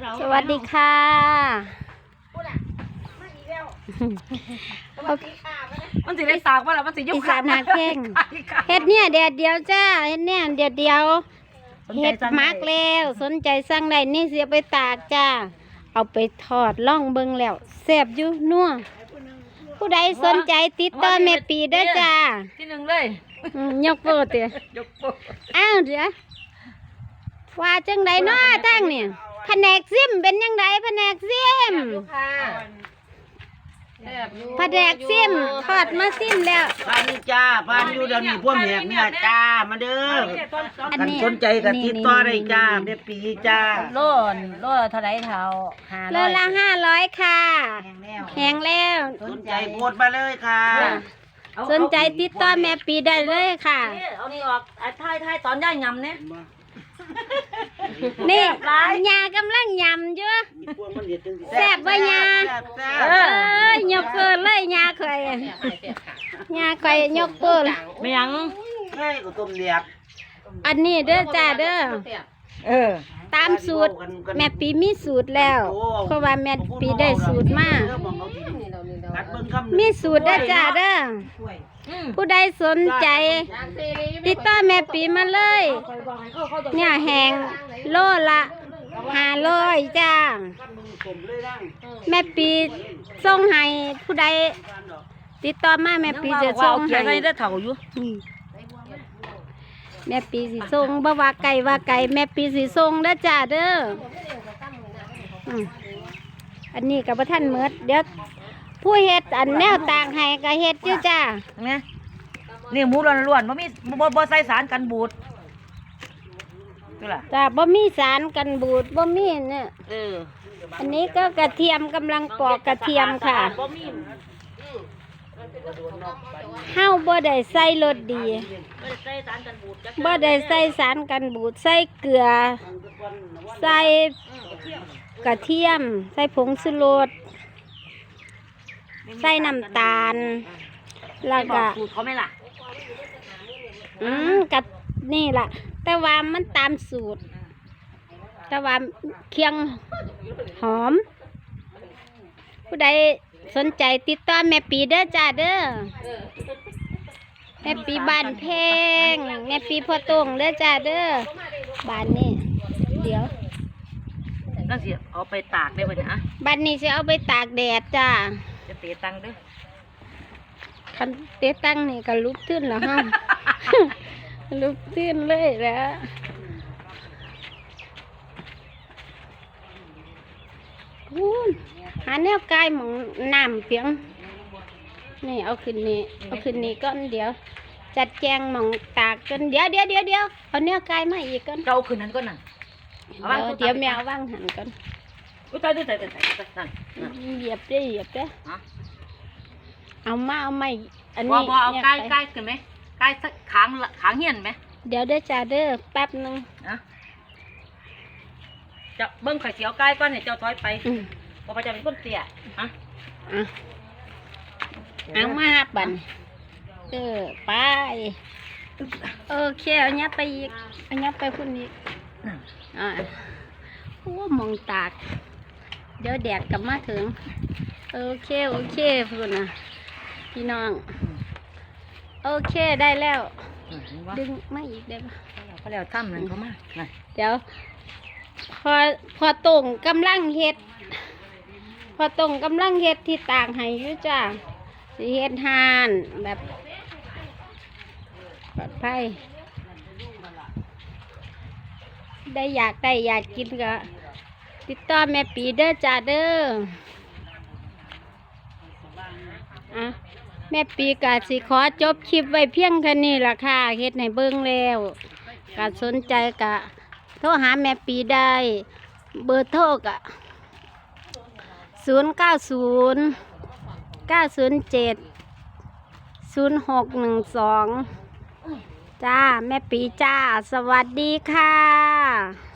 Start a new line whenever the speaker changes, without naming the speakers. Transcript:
สวัสดีค่ะ
มันสิได้สากว่าล่ะมันสิยุ
อีสานนาเข่งเฮ็ดเนี่ยแดดเดียวจ้าเฮ็ดเนี่ยแดดเดียวเฮ็ดมักแล้วสนใจสั่งได้นี่เสียไปตากจ้าเอาไปทอดล่องเบิ่งแล้วแซ่บอยู่นัวผู้ใดสนใจติดต่อแม่ปีเด้อจ้า
ที่หนึ่งเลย
ยกโปรเตะ
ยกโป๊ะ
อ้าวเดี๋ยวว่าจังไดเนาะตั้งเนี่ยแผนกซิมเป็นยังไงแผนกซิมแผนกซิมทอดมาซิมแล้ว
พานนี่จ้าพานอยู่เดี๋ยวนี้พวกแหกเนี่ยจ้ามาเด้อ
อัน
กัน
นี้
สนใจกับติดต่อได้จ้าแม่ปีจ้า
โลเท่าไรเท่า
โลละ500ค่ะแห้งแล้ว
สนใจโพสต์มาเลยค่ะ
สนใจติดต่อแม่ปีได้เลยค่ะ
เอานี่ออกท้ายตอนย่ายยำเนี่ย
นี่ยากำลังยำอยู่แซ่บว่ายา
แซ่บ
ยกเกินเลยยาข่อยยาข่อยยกเกิน
ไม่ยัง
ใช่ก็ต้มเลียบ
อันนี้เด้อจ้าเด้อตามสูตรแม่ปีมีสูตรแล้ว เพราะว่าแม่ปีได้สูตรมามีสูตรเด้อจ้าเด้อผู้ใดสนใจติดต่อแม่ปีมาเลยเนี่ยแหงโลละ500จ้าแม่ปีส่งให้ผู้ใดติดต่อมาแม่ปีจะส่ง
เขียน
ให้
ได้เท่าอยู่
แม่ปีสิส่งบ่ว่าไก่แม่ปีสิส่งเด้อจ้าเด้ออันนี้กับท่านเมิดเดี๋ยวผู้เฮ็ดอันแนวต่างให้ก็เฮ็ดอยู่จ้า
เนี่ยนี่หมูล้วนๆบ่ใส่สารกันบูดนี่ล่ะ
จ้าบ่มีสารกันบูดบ่มีเนี่ย
อ
อันนี้ก็กระเทียมกำลังปอกกระเทียมค่ะ
บ่มี
เฮาบ่ได้ใส่รสดี
ใส่สารกันบูดจัก
บ่ได้ใส่สารกันบูดใส่เกลือใส่กระเทียมใส่ผงชูรสใส่น้ำตาลแล้วก็
สูตรเขาไหมล่ะ
กับนี่ล่ะ แต่ว่ามันตามสูตร แต่ว่าเคียงหอม ผู้ใดสนใจติดต่อแม่ปีเด้อจ้าเด้อแม่ปีบ้านแพงแม่ปีพ่อตงเด้อจ้าเด้อบ้านนี้เดี๋ยว
นั่นสิเอาไปตากได้ป่ะเนี่ย
บ้านนี้จะเอาไปตากแดดจ้า
จะเตะตังค์ด้วย
คันเตะตั้งนี่ก็ลุกขึ้นแล้วฮะ ลุกขึ้นเลยแล้วหาแนวกายหมองน้ำเพียงนี่เอาขึ้นนี่ก้อนเดี๋ยว จัดแจงหมองตากกันเดี๋ยวเอาแนวกายมาอีกก้อน
เราคืนนั้นก็นั่น
เดี๋ยวแมวว่างหันก้อน
อุ้ยตายนั่น
เหยียบได้เอาไม่อัน
บ่
นี้
เอาใกล้ขึ้นไหมใกล้สักขางเหียนไหม
เดี๋ยวเด้อจ้าเด้อแป๊บนึง
นะจะเบิ้งไข่เสียวใกล้ก้อนเนี่ยเจ้าถอยไปเพราะว่าจะเป็นคนเตี้ยฮะ
เอามาบันไปโอเคเอาเนี้ยไปอีกเอาเนี้ยไปพุ่นอีกโอ้มองตากเดี๋ยวแดดกลับมาถึงโอเคพุ่นนะพี่น้องโอเคได้แล้วดึงมาอีกได้ปะ
เขาแล้วถ้ำนั่นเขามา
เดี๋ยวพอตรงกำลังเฮ็ดที่ต่างให้อยู่จ้าสิเฮ็ดห่านแบบปลอดภัยอยากกินก็ติดต่อแม่ปีเด้อจ้าเด้อแม่ปีกะสิขอจบคลิปไว้เพียงแค่นี้ล่ะค่ะเฮ็ดให้เบิ่งแล้วกะสนใจกะโทรหาแม่ปีได้เบอร์โทรกะ0909070612จ้าแม่ปีจ้าสวัสดีค่ะ